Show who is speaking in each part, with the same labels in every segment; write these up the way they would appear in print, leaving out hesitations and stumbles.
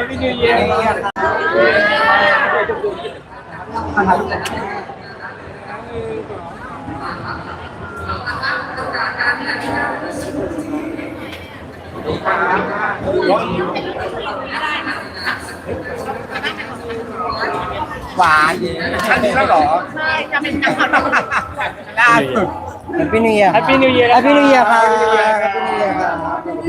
Speaker 1: Happy New Year หวานอันนี้แล้วเหรอใช่จะเป็นจังหวัดล่าสุด
Speaker 2: Happy New Year
Speaker 1: Happy New Year
Speaker 2: Happy New Year ครับ Happy New Year ครับ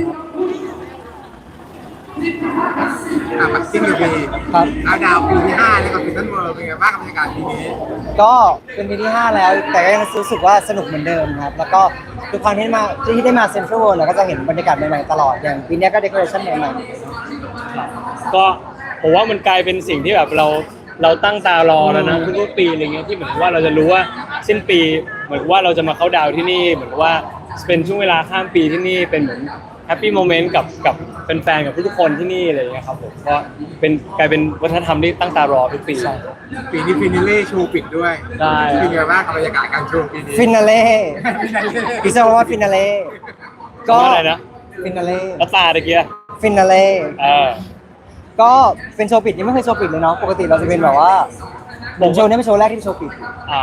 Speaker 3: ปักกิ้งปี
Speaker 2: ครับ
Speaker 3: เอาดาวปีที่5เลยกับฟินแลนด์เวิร์เป็นไงบ้างกับบรรยากาศปีนี้
Speaker 2: ก็เป็นปีที่5แล้วแต่ก็ยังรู้สึกว่าสนุกเหมือนเดิมครับแล้วก็ทุกครั้งที่ได้มาเซ็นทรัลเวิลด์เราก็จะเห็นบรรยากาศใหม่ๆตลอดอย่างปีนี้ก็เดคอเรชั่นใหม่ๆ
Speaker 1: ก็ผมว่ามันกลายเป็นสิ่งที่แบบเราตั้งตารอแล้วนะทุกๆปีอะไรเงี้ยที่เหมือนว่าเราจะรู้ว่าสิ้นปีเหมือนว่าเราจะมาเข้าดาวที่นี่เหมือนว่าเป็นช่วงเวลาข้ามปีที่นี่เป็นเหมือนแฮปปี้โมเมนต์กับแฟนๆกับทุกๆคนที่นี่อะไรอย่างเงี้ยครับผมก็เป็นกลายเป็นวัฒนธรรมที่ตั้งตารอทุกปี
Speaker 3: ปีนี้ฟินาเล่โชว์ปิดด้วย
Speaker 1: ได้
Speaker 3: เป็นไงบ้างกับบรรยากาศการโชว์ปีนี้
Speaker 2: ฟินาเล่
Speaker 3: Finale
Speaker 2: พิซซ่าว่าฟินาเล่ก็
Speaker 1: ว่าอะไรนะ
Speaker 2: ฟินาเล่
Speaker 1: แล้วตาตะเกีย
Speaker 2: ฟินาเล่
Speaker 1: เออ
Speaker 2: ก็เป็นโชว์ปิดนี่ไม่เคยโชว์ปิดเลยเนาะปกติเราจะเป็นแบบว่าโชว์นี้เป็นโชว์แรกที่เป็นโชว์ปิด
Speaker 1: อ่า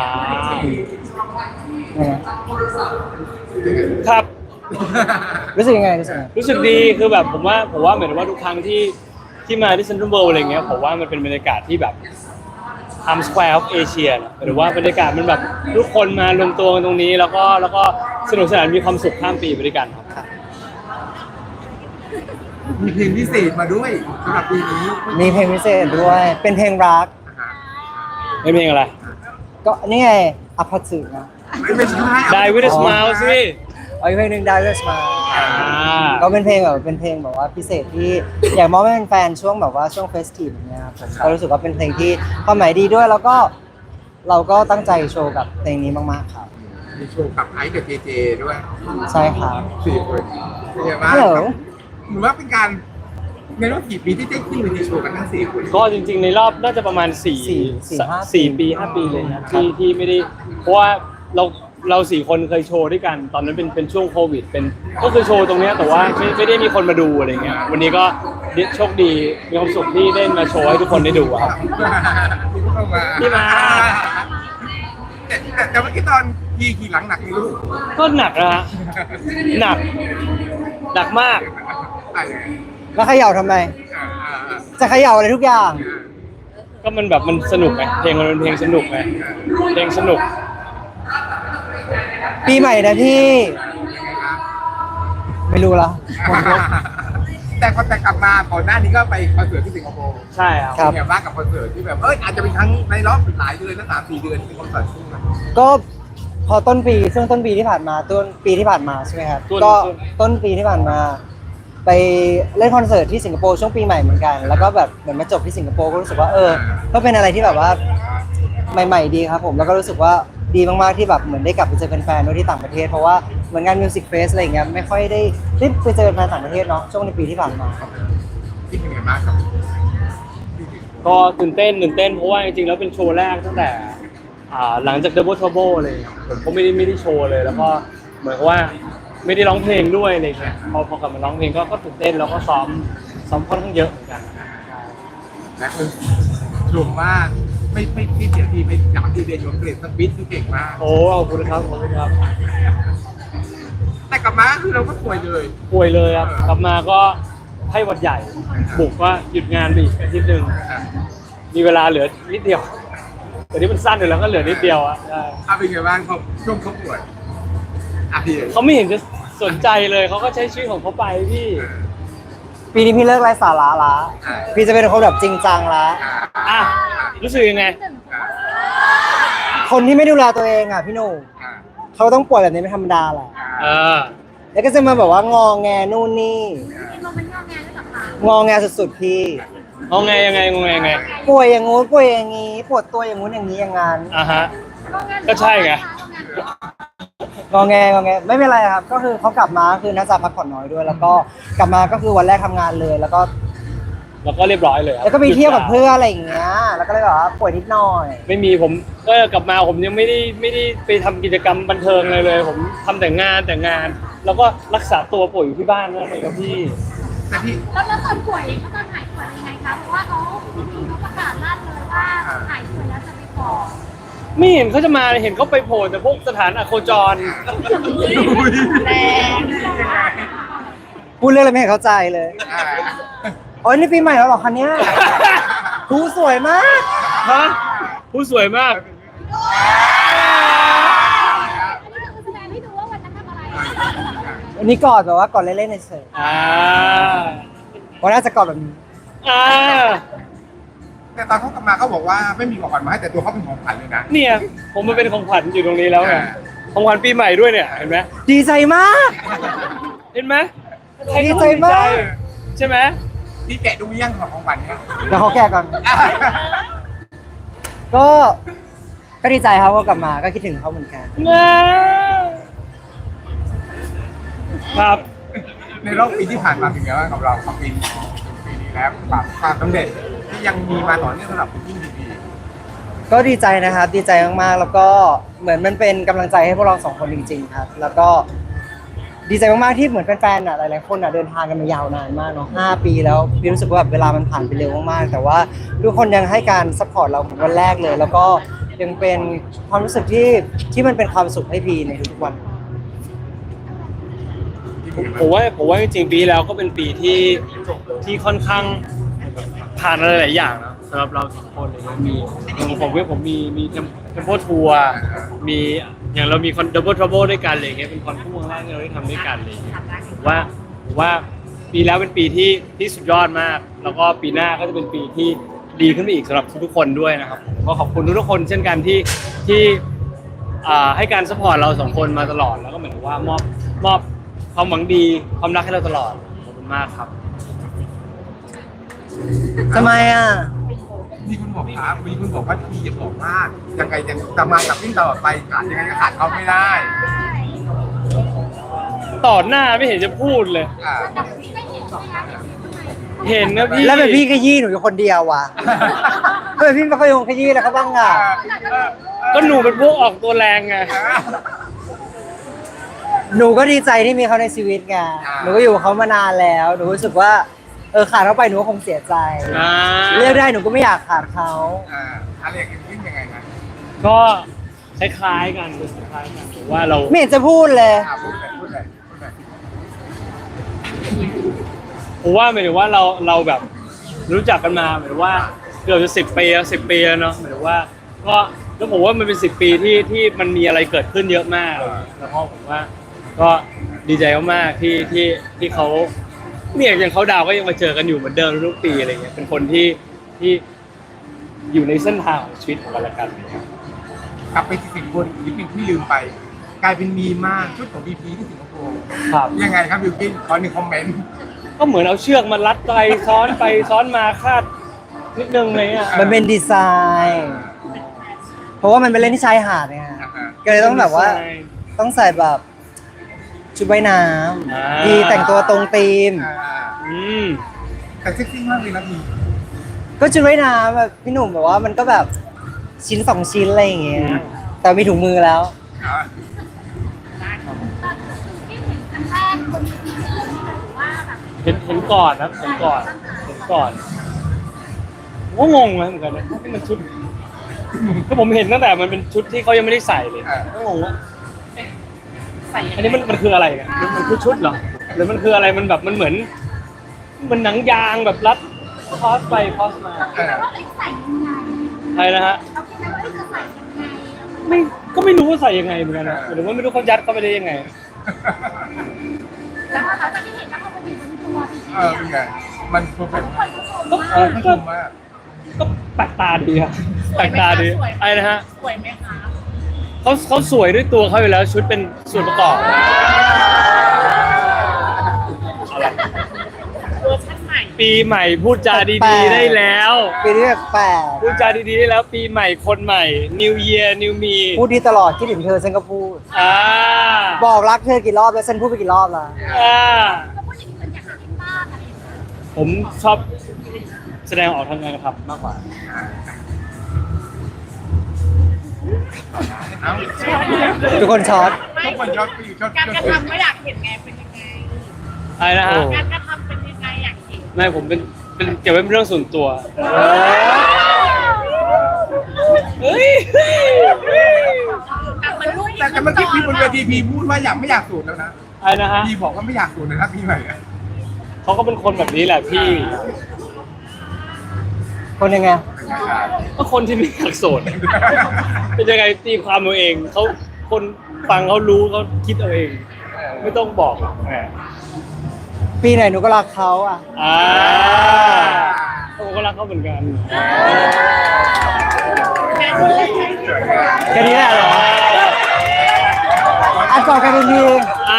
Speaker 2: เนี่ย
Speaker 1: ครับ
Speaker 2: รู้สึกยังไงรู้สึกยังไง
Speaker 1: รู้สึกดีคือแบบผมว่าเหมือนว่าทุกครั้งที่มาที่เซ็นทรัลเวิลด์อะไรเงี้ยผมว่ามันเป็นบรรยากาศที่แบบ Times Square of Asia นะหรือว่าบรรยากาศมันแบบทุกคนมารวมตัวกันตรงนี้แล้วก็สนุกสนานมีความสุขข้ามปีไปด้วยกันครับ
Speaker 3: มีเพลงพิเศษมาด้วยสำหรับปีนี้
Speaker 2: มีเพลงพิเศษด้วย เป็นเพลงรัก
Speaker 1: เป็นเพลงอะไร
Speaker 2: ก็นี่ไงอภัสึนะ
Speaker 3: ไม่ใช่
Speaker 1: Die with a smile สิ
Speaker 2: เอาอีกเพลงหนึ่ง Die With a Smile
Speaker 1: อ่า
Speaker 2: ก็เป็นเพลงแบบว่าพิเศษที่อยากมอบให้แฟนๆช่วงแบบว่าช่วงเฟสทีฟอย่างเงี้ยครับผมก็รู้สึกว่าเป็นเพลงที่ความหมายดีด้วยแล้วก็เราก็ตั้งใจโชว์กับเพลงนี้มากๆครับ
Speaker 3: มีโชว์กับไอซ์กับเจเจด้วย
Speaker 2: ใช่ครับ
Speaker 3: 4 คนเป็นไงบ้าง
Speaker 2: ฮัลโหล
Speaker 3: หรือว่าเป็นการในรอบกี่ปีที่ได้ขึ้นไปในโชว์กันทั้ง4 คน
Speaker 1: ก็จริงๆในรอบน่าจะประมาณ4 ปี 5 ปีเลยนะที่ไม่ได้เพราะว่าเรา4 คนเคยโชว์ด้วยกันตอนนั้นเป็นช่วงโควิดก็คือโชว์ตรงเนี้ยแต่ว่าไม่ได้มีคนมาดูอะไรเงี้ยวันนี้ก็โชคดีมีความสุขที่ได้มาโชว์ให้ทุกคนได้ดูอะครับ
Speaker 3: ที่มาแต่เมื่อกี้ตอนขี่หลังหนักนี่ลูก
Speaker 1: ก็หนักนะฮะหนักมาก
Speaker 2: แล้วเขย่าทำไม จะเขย่าอะไรทุกอย่าง
Speaker 1: ก็มันแบบมันสนุกไงเพลงมันเป็นเพลงสนุกไงเพลงสนุก
Speaker 2: ปีใหม่นะพี่ ไม่รู้ละ
Speaker 3: แต่พอแต่กลับมาก่อนหน้านี้ก็ไปคอนเสิร์ตที่สิงคโปร์
Speaker 1: ใช่ครับ
Speaker 2: ครับ
Speaker 3: เป็นไงบ้างกับคอนเสิร์ตที่แบบอาจจะเป็นครั้งในรอบหลายเดือนนะ3-4 เดือนที่เป็นคอนเสิร์ตคู่กัน
Speaker 2: ก็พอต้นปีช่วงต้นปีที่ผ่านมาใช่ไหมครับก็ต้นปีที่ผ่านมา ไปเล่นคอนเสิร์ตที่สิงคโปร์ช่วงปีใหม่เหมือนกัน แล้วก็แบบเหมือนมาจบที่สิงคโปร์ก็รู้สึกว่าก็เป็นอะไรที่แบบว่าใหม่ๆดีครับผมแล้วก็รู้สึกว่าดีมากๆที่แบบเหมือนได้กลับไปเจอแฟนๆด้วยที่ต่างประเทศเพราะว่าเหมือนงานมิวสิกเฟสอะไรอย่างเงี้ยไม่ค่อยได้ไปเจอแฟนต่างประเทศเนาะช่วงในปีที่ผ่านมาครับ
Speaker 3: ที่เป็นไงบ้างครับ
Speaker 1: ก็ตื่นเต้นเพราะว่าจริงๆแล้วเป็นโชว์แรกตั้งแต่หลังจาก Double Trouble เลยผมก็ไม่ได้โชว์เลยแล้วก็เหมือนกับว่าไม่ได้ร้องเพลงด้วยอะไรเงี้ยพอกลับมาร้องเพลงก็ตื่นเต้นแล้วก็ซ้อมค่อนข้างเยอะเหมือนกัน
Speaker 3: และคนชมว่าไม่เสียทีไป3-4 เดือนอยู่อังกฤษสปิดที่เก่งมาก
Speaker 1: โอ้ขอบคุณครับ
Speaker 3: แต่กลับมาคือเราก็ป่วยเลย
Speaker 1: ป่วยเลยครับกลับมาก็ไข้หวัดใหญ่บุกก็หยุดงานไปอีกอาทิตย์หนึ่งมีเวลาเหลือนิดเดียวแต่ที่มันสั้นอยู่แล้วก็เหลือนิดเดียวอ่ะใช่
Speaker 3: เป็นไงบ้างเขาช่วงเขาป่วยพี่
Speaker 1: เขาไม่เห็นจะสนใจเลยเขาก็ใช้ชีวิตของเขาไปพี่
Speaker 2: ปีนี้พี่เลิกไร้สาระละพี่จะเป็นคนแบบจริงจังละ
Speaker 1: อ่ะรู้สึกยังไง
Speaker 2: คนที่ไม่ดูแลตัวเองอ่ะพี่หนุ่มเขาต้องป่วยแบบนี้ไม่ธรรมดาแหละ
Speaker 1: เออ
Speaker 2: แล้วก็จะมาแบบว่างอแงนู่นนี่งอแงสุดๆพี่
Speaker 1: งงไงยังไง
Speaker 2: ป่วยอย่างงู้นป่วยอย่างงี้ปวดตัวอย่างงู้นอย่างนี้อย่างงั้น
Speaker 1: อ่ะฮะก็ใช่ไง
Speaker 2: งอแงไม่เป็นไรครับ ก็คือเขากลับมาคือน่าจะพักผ่อนน้อยด้วย แล้วก็กลับมาก็คือวันแรกทำงานเลย แล้วก็
Speaker 1: เรียบร้อยเลยครับ
Speaker 2: แล้วก็ไปเที่ยวกับเพื่อนอะไรอย่างเงี้ยแล้วก็เลยแบบว่าป่วยนิดหน่อย
Speaker 1: ไม่มีผมก็กลับมาผมยังไม่ได้ไปทำกิจกรรมบันเทิงเลย ผมทำแต่งานแล้วก็รักษาตัวป่วยอยู่ที่บ้านนั่นเองครับพี่
Speaker 3: แต่พี่
Speaker 4: แล้วตอนป่วยตอนหายป่วยยังไงครับ
Speaker 1: ไม่เห็นเขาจะมาเห็นเขาไปโผล่แต่พวกสถานอโคจร
Speaker 4: แรง
Speaker 2: พูดเรื่องอะไรไม่เห็นเข้าใจเลยโอ้ยนี่ปีใหม่แล้วเหรอคะเนี่ยผู้สวยมาก
Speaker 1: ฮะผู้สวยมาก
Speaker 4: แสดงให้ดูว่าวันนั้นทำอะไร
Speaker 2: อันนี้กอดแบบว่ากอดเล่นๆในเฉย
Speaker 1: อ่า
Speaker 2: วันน่าจะกอดแบบนี้
Speaker 1: อ่า
Speaker 3: แต่ตอนเขากลับมาเขาบอกว่าไม่มีของขวัญมาให้แต่ตัวเขาเป็นของขวัญเลยนะ
Speaker 1: เนี่ยผมมาเป็นของขวัญอยู่ตรงนี้แล้วไงของขวัญปีใหม่ด้วยเนี่ยเห็นไหม
Speaker 2: ดีใจมาก
Speaker 1: เห็นไหม
Speaker 2: ดีใจมาก
Speaker 1: ใช่ไหม
Speaker 3: ที่แกะดูยังของขวัญเนี่ย
Speaker 2: เดี๋ยวเขาแก่ก่อน ก็ดีใจครับว่ากลับมาก็คิดถึงเขาเหมือนกัน
Speaker 1: ครับ
Speaker 3: ในรอบปีที่ผ่านมาเป็นไงบ้างกับเราของปีนี้แล้วความสำเร็จที่ยังมีมาต่อเนื่องสำหรับยิ่งดี
Speaker 2: ก็ดีใจนะครับดีใจมากๆแล้วก็เหมือนมันเป็นกำลังใจให้พวกเราสองคนจริง ๆ ครับ แล้วก็ดีใจมากๆที่เหมือนแฟนๆหลายๆคนเดินทางกันมายาวนานมากเนาะ5 ปีแล้วพี่รู้สึกว่าแบบเวลามันผ่านไปเร็วมากๆแต่ว่าทุกคนยังให้การซัพพอร์ตเราเหมือนวันแรกเลย แล้วก็ยังเป็นความรู้สึกที่มันเป็นความสุขให้พี่ในทุกๆวัน
Speaker 1: ผมว่าจริงๆปีแล้วก็เป็นปีที่ค่อนข้างผ่านอะไรหลายอย่างนะสำหรับเราสองคนเลยนะมีอย่างผมมีเทมโพทัวร์มีอย่างเรามีคอนดับเบิลทรัพเบิลด้วยกันอะไรอย่างเงี้ยเป็นคอนคู่ครั้งแรกที่เราได้ทำด้วยกันอะไรอย่างเลยผมว่าปีแล้วเป็นปีที่สุดยอดมาก แล้วก็ปีหน้าก็จะเป็นปีที่ดีขึ้นไปอีกสำหรับทุกๆคนด้วยนะครับผมก็ขอบคุณทุกๆคนเช่นกันที่ให้การสปอร์ตเราสองคนมาตลอดแล้วก็เหมือนว่ามอบความหวังดีความรักให้เราตลอดขอบคุณมากครับ
Speaker 2: ทำไมอ่ะ
Speaker 3: ๆมีคุณบอกครับมีคุณบอกว่าพี่อย่าบอกมากยังไงยังจะมากับวิ่งตลอดไปขาดยังไงก็ขาดเขาไม่ได้
Speaker 1: ต่อหน้าไม่เห็นจะพูดเลย
Speaker 3: อ่า
Speaker 1: เห็นนะพี่
Speaker 2: แล้วแบบพี่ขยี้หนูอยู่คนเดียวว่ะทำไมพี่ไม่เคยขยี้แล้วเขาบ้างอ่ะ
Speaker 1: ก็หนูเป็นพวกออกตัวแรงไง
Speaker 2: หนูก็ดีใจที่มีเขาในชีวิตไงหนูก็อยู่กับเขามานานแล้วหนูรู้สึกว่าขาดเขาไปหนูก็คงเสียใจ
Speaker 1: อ่า
Speaker 2: เลือกได้หนูก็ไม่อยากขาดเขา
Speaker 3: อะไรอย่างนี้วิ่งยังไงนะ
Speaker 1: ก็คล้ายๆกันผมว่าเรา
Speaker 2: ไม่เห็นจะพูดเลย
Speaker 3: พูดเลย
Speaker 1: ผมว่าหมายถึงว่าเราแบบรู้จักกันมาหมายถึงว่าเกือบจะ10 ปีแล้วเนาะหมายถึงว่าก็แล้วผมว่ามันเป็น10 ปีที่มันมีอะไรเกิดขึ้นเยอะมากแล้วก็ผมว่าก็ดีใจมากๆที่เขาเนี่ยอย่างเขาดาวก็ยังมาเจอกันอยู่เหมือนเดิมทุกปีอะไรเงี้ยเป็นคนที่อยู่ในเส้นทางของชีวิตของกันและกัน
Speaker 3: กลับไปที่สิงคโปร์อีกนิดนึงที่ลืมไป กลายเป็นมีมากชุดของบีพีที่สิงคโปร์
Speaker 1: ครับ
Speaker 3: ยังไงครับบิวกิ้นขอหนึ่งคอมเมนต์
Speaker 1: ก็เหมือนเอาเชือกมารัดไปซ้อนมาคาดนิดนึงเลยอ่ะ
Speaker 2: มันเป็นดีไซน์ เพราะว่ามันเป็นเล่นที่ชายหาดไงก็เลยต้องแบบว่าต้องใส่แบบชุดว่ายน้ำดีแต่งตัวตรงธีม
Speaker 1: อืม
Speaker 3: แต่เซ็กซี่มากเลยนะพี่
Speaker 2: ก็ชุดว่ายน้ำแบบพี่หนุ่มแบบว่ามันก็แบบชิ้น2 ชิ้นอะไรอย่างเงี้ยแต่มีถุงมือแล้ว
Speaker 1: เห็นก่อนนะเห็นก่อนผมก็งงนะเหมือนกันนะที่มันชุดก็ผมเห็นตั้งแต่มันเป็นชุดที่เขายังไม่ได้ใส่เลยก็งงว่าอันนี้มันคืออะไรกันมันคือชุดเหรอหรือมันคืออะไรมันแบบมันเหมือนมันหนังยางแบบรัดคอสไปคอสมาใช่นะฮะก็ไม่รู้ว่าใส่ยังไงเหมือนกันนะหรือว่าไม่รู้เขายัดเข้าไปได้ยังไง
Speaker 4: แล้วพอเราจะได้เห็นแล้วเขาเป็นตัวจริง
Speaker 3: เป็นไงมันเพอร์เฟกต์
Speaker 1: ก็
Speaker 3: ชมมาก
Speaker 1: ก็แปลกตาดีครับแปลกตาดีไอ้นะฮะ
Speaker 4: สวยไหมคะ
Speaker 1: เขาสวยด้วยตัวเขาอยู่แล้วชุดเป็นส่วนประกอบอะไร
Speaker 4: เวอร์ชันใหม่
Speaker 1: ปีใหม่พูดจาดีๆได้แล้ว
Speaker 2: ปีนี้แปลก
Speaker 1: พูดจาดีๆได้แล้วปีใหม่คนใหม่ New Year New Me
Speaker 2: พูดดีตลอดคิดถึงเธอฉันก็พูด
Speaker 1: อ่า
Speaker 2: บอกรักเธอกี่รอบแล้วฉันพูดไปกี่รอบแล้ว
Speaker 1: อ่า
Speaker 4: ก็พูดอย่างนี้เหมือนอยากหาที่บ้านอะไรอย่างเงี้ย
Speaker 1: ผมชอบแสดงออกทางการกระทำมากกว่า
Speaker 3: เอ้า
Speaker 2: ทุกคนช็อต
Speaker 3: ทุกคนชอบปีชอบ
Speaker 4: การกระทำไม่อยากเห็นไงเป็นยังไง
Speaker 1: อะไรนะฮะ
Speaker 2: โอ้
Speaker 4: การกระทำเป็นยังไงอยากเห็น
Speaker 1: ไม่ผมเป็นเก็บไว้เป็นเรื่องส่วนตัวเฮ้ย
Speaker 3: แต่เมื่อกี้พี่บนเวทีพี่พูดว่าไม่อยากสูตรแล้วนะ
Speaker 1: อะไรนะฮะ
Speaker 3: พี่บอกว่าไม่อยากสูตรนะครับพี่ใหม่อะ
Speaker 1: เขาก็เป็นคนแบบนี้แหละพี่
Speaker 2: คนยังไง
Speaker 1: ก็คนที่ไม่อยากโสดเป็นยังไงตีความเอาเองเขาคนฟังเขารู้เขาคิดเอาเอง ไม่ต้องบอกแหม
Speaker 2: ปีไหนหนูก็รักเขาอ่ะ
Speaker 1: ผมก็รักเขาเหมือนกัน
Speaker 2: แค่นี้แหละเหรออันก่อนกันเป็นที
Speaker 1: อ่ะ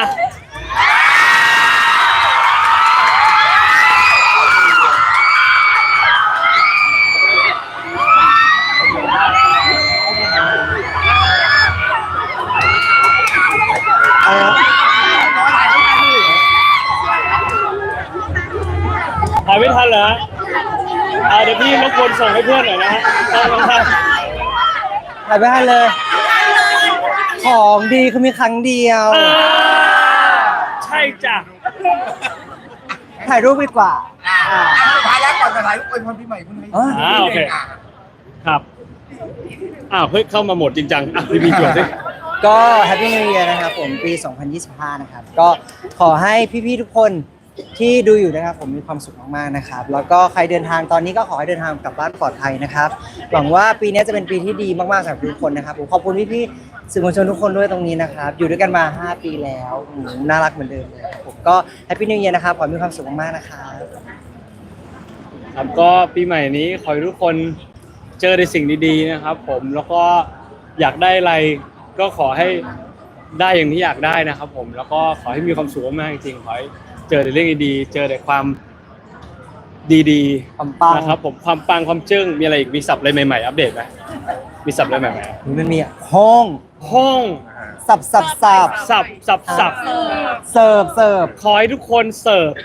Speaker 1: ถ่ายไม่ทันเหรอฮะเดี๋ยวพี่รบกวนส่งให้เพื่อนหน่อยนะฮะต้องท
Speaker 2: ถ่ายไปให้เลย ของดีคือมีครั้งเดียว
Speaker 1: ำใช่จ้ะ
Speaker 2: ถ่ายรูปดีกว่า
Speaker 3: ท้ายแล้วก่อนจะถ่ายรูปอวยพรพี่ใหม่คุณให้
Speaker 1: โอเคครับเฮ้ยเข้ามาหมดจริงจังพี่จวดสิ
Speaker 2: ก็ Happy New Year นะครับผมปี 2025 นะครับ ก็ขอให้พี่ๆทุกคนที่ดูอยู่นะครับผมมีความสุขมากๆนะครับ แล้วก็ใครเดินทางตอนนี้ก็ขอให้เดินทางกลับบ้านปลอดภัยนะครับหวังว่าปีนี้จะเป็นปีที่ดีมากๆสำหรับทุกคนนะครับผมขอบคุณพี่ๆสื่อมวลชนทุกคนด้วยตรงนี้นะครับอยู่ด้วยกันมา 5 ปีแล้วน่ารักเหมือนเดิมเลยครับผมก็ Happy New Year นะครับขอให้มีความสุขมากๆนะครับ
Speaker 1: ครับก็ปีใหม่นี้ขอให้ทุกคนเจอในสิ่งดีๆนะครับผมแล้วก็อยากได้อะไรก็ขอให้ได้อย่างที่อยากได้นะครับผมแล้วก็ขอให้มีความสุขมากจริงๆขอให้เจอแต่เรื่องดีๆเจอแต่ความดี
Speaker 2: ความปัง
Speaker 1: ๆนะครับผมความปังความจึ้งมีอะไรอีกมีศัพท์อะไรใหม่ๆอัปเดตไหมมีศัพท์อะไรใหม่
Speaker 2: มันมีห้อง
Speaker 1: ๆห้อง
Speaker 2: สับ
Speaker 1: สับ
Speaker 2: เสิร์ฟ
Speaker 1: ขอให้ทุกคนเสิร์ฟ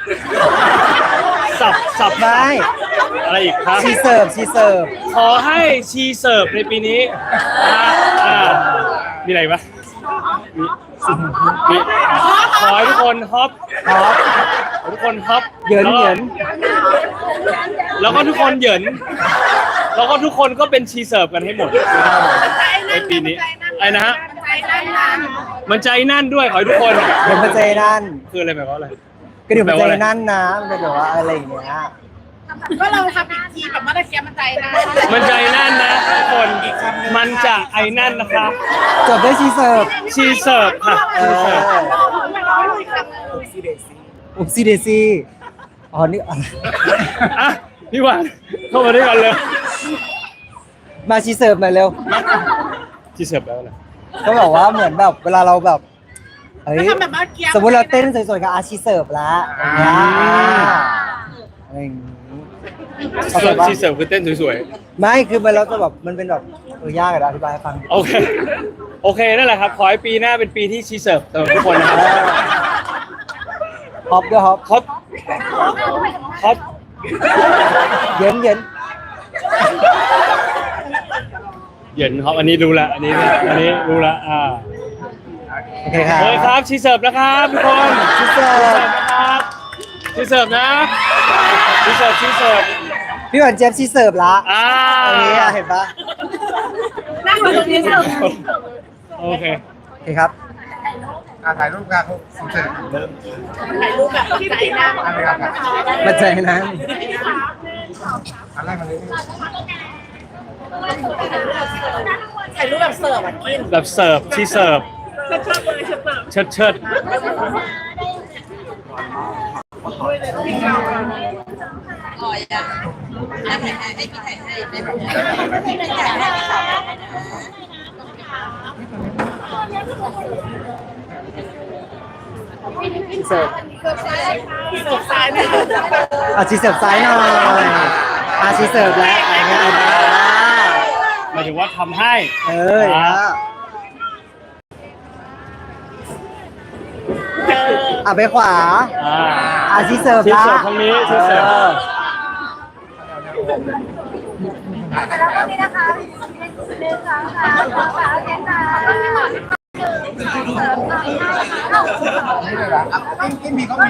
Speaker 1: สับ
Speaker 2: ไม่
Speaker 1: อะไรอีกครับ
Speaker 2: ชีเสิร์ฟ
Speaker 1: ขอให้ชีเสิร์ฟในปีนี้มีอะไรปะมีขอให้ทุกคนฮอปทุกคนฮอป
Speaker 2: เหยิน
Speaker 1: แล้วก็ทุกคนเหยินแล้วก็ทุกคนก็เป็นชีเสิร์ฟกันให้หมดในปีนี้ไอ้นะฮะมันใจนั่นด้วยขอให้ทุกคน
Speaker 2: เดี๋ยวมาเจนั่น
Speaker 1: คืออะไรแบบว่าอะไร
Speaker 2: ก็เดี๋ยวมาเจนั่นนะมันเป็นแบบว่าอะไรอย่างเงี้ย
Speaker 4: ก็เราทำอีกทีแบบว่าตะเกียบมันใจนะ
Speaker 1: มันใจนั่นนะทุกคนมันจะไอ้นั่นนะครับ
Speaker 2: จบด้วยชีเสิร์ฟ
Speaker 1: ชีเสิร์ฟค่ะชีเสิร์ฟ
Speaker 2: อุบซีเดซี่อ๋อนี่อะไร
Speaker 1: อ่ะพี่หวานเข้ามาด้วยกันเลย
Speaker 2: มาชีเสิร์ฟหน่อยเร็ว
Speaker 1: ชีเสิร์ฟแล้วนะ
Speaker 2: ก็บอกว่าเหมือนแบบเวลาเราแบบเฮ้ย
Speaker 4: ทำแบบเมื่อกี้
Speaker 2: สมมติเราเต้นสวยๆกับอาชีเสิร์ฟแล้วอย่างเงี้ยอะไรอย่างงี้เข้าใจปะ
Speaker 1: ชีเสิร์ฟคือเต้นสวย
Speaker 2: ไม่คือมันเราจะแบบมันเป็นแบบยากอะอธิบายให้ฟัง
Speaker 1: ๆโอเคนั่นแหละครับขอให้ปีหน้าเป็นปีที่ชีเสิร์ฟสำหรับทุกคนนะครับ
Speaker 2: ฮอปด้วยฮอป
Speaker 1: ฮอป
Speaker 2: เย็น
Speaker 1: เหยินครับอันนี้รู้ละอันนี้รู้ละ
Speaker 2: โอเคครับ
Speaker 1: โอเคครับชีเสิร์ฟนะครับทุกคน
Speaker 2: ชีเสิร์ฟ
Speaker 1: นะครับชีเสิร์ฟนะชีเสิร์ฟ
Speaker 2: พี่หวานเจี๊ยบชีเสิร์ฟละอันนี้อะเห็นปะ
Speaker 4: นั่งอยู่ตรงนี้เสิร์ฟ
Speaker 1: โอเค
Speaker 2: โอเคครับ
Speaker 3: ถ่ายรูปกันสุดเสร็จ
Speaker 4: ถ่ายรูปแบบใจนะ
Speaker 3: อะไรกัน
Speaker 2: มาเจอนั้น
Speaker 3: อะไรมาเลย
Speaker 4: ถ่ายรูปแบบเสิร์ฟอ่ะกิน
Speaker 1: แบบเสิร์ฟชีเสิร์ฟเชิด
Speaker 2: ชีเสิร์ฟ
Speaker 4: เสิร์ฟซ้ายนะ
Speaker 2: ชีเสิร์ฟซ้ายหน่อยชีเสิร์ฟแล้วอะไรเงี้ย
Speaker 1: หมายถึงว่าทำให้
Speaker 2: ไปขวาชีเสิร์ฟ
Speaker 1: ชี
Speaker 2: ละ
Speaker 1: เสิร์ฟทางนี้ชีเสิร์ฟ
Speaker 4: นี่นะคะหนึ่งสองสามสองสามเจ็ดสาม
Speaker 3: นี่เลยนะกินมีเขามี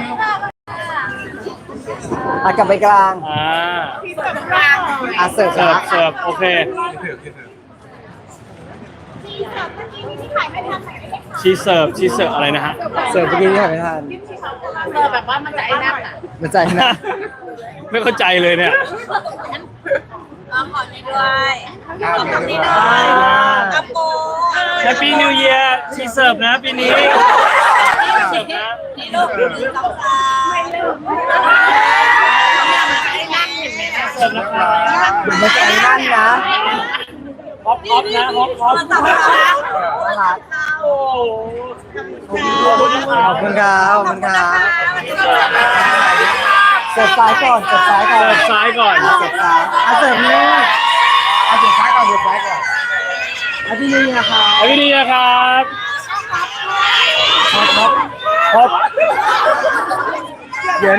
Speaker 2: กลับไปกลาง
Speaker 4: พี่เสิร์ฟกลาง
Speaker 2: เสิร์ฟ
Speaker 1: เสิร์ฟโอเค
Speaker 3: ถือ
Speaker 4: ที่ขายไม่ทันไหนไม่ได้ค่ะ
Speaker 1: ชีเสิร์ฟอะไรนะฮะ
Speaker 2: เสิร์ฟเมื่อกี้ที่ถ่ายไม่ทัน
Speaker 4: แบบว่ามันจะไอ้นั่นอ่ะ
Speaker 2: มันใจนะ
Speaker 1: ไม่เข้าใจเลยเนี่ย
Speaker 4: ขอนี้ด้วยขอคำนี้ด้วยอัปโป
Speaker 1: Happy New Year ชีเสิร์ฟนะปีนี้เสิร์ฟนะ
Speaker 4: นี่ลูก1 2 3ไม่ลืมไอ้นั่นเห็นไหมนะ
Speaker 1: เสิร์ฟนะครับ
Speaker 2: เดี๋ยวมันใจนั่นนะ
Speaker 1: ฮอปนะฮอป
Speaker 2: นะครับ
Speaker 1: โอ้โห
Speaker 2: ขอบคุณครับขอบคุณครับเสิร์ฟซ้ายก่อนเสิร์ฟซ้ายก่อน
Speaker 1: เสิร์ฟซ้ายก่อน
Speaker 2: เสิร์ฟซ้ายเสิร์ฟนี่
Speaker 3: เอาสุดท้ายก่อนสุดท้ายก่อน
Speaker 2: พี่นี่นะครับ
Speaker 1: Happy New Year ครับ
Speaker 2: ฮอปเหยิน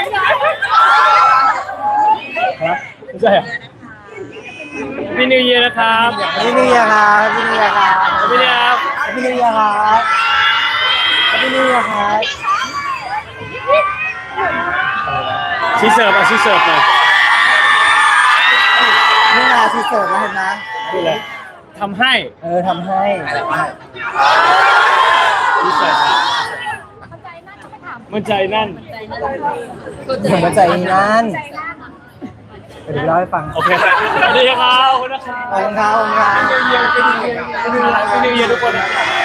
Speaker 2: ครับ
Speaker 1: ไม่ใช่เหรอ Happy New Year นะครับ
Speaker 2: พี่นี่ครับพี่นี่ครับ
Speaker 1: Happy New Year ครับ
Speaker 2: พี่นี่ครับพี่นี่ครับ
Speaker 1: ชีเสิร์ฟชีเสิร์ฟหน่อย
Speaker 2: นี่มาที่เสิร์ฟแล้วเห็นไหม
Speaker 1: นี่เลยทำให้
Speaker 2: ทำให้
Speaker 1: ชีเสิร์ฟมันใจนั่น
Speaker 2: ถึงมาใจนั่นเดี๋ยวเล่าให้ฟัง
Speaker 1: โอเคสวัสดีครับขอบคุณนะครับ
Speaker 2: ขอบคุณครับขอบคุณครับ
Speaker 1: Happy New Year ทุกคน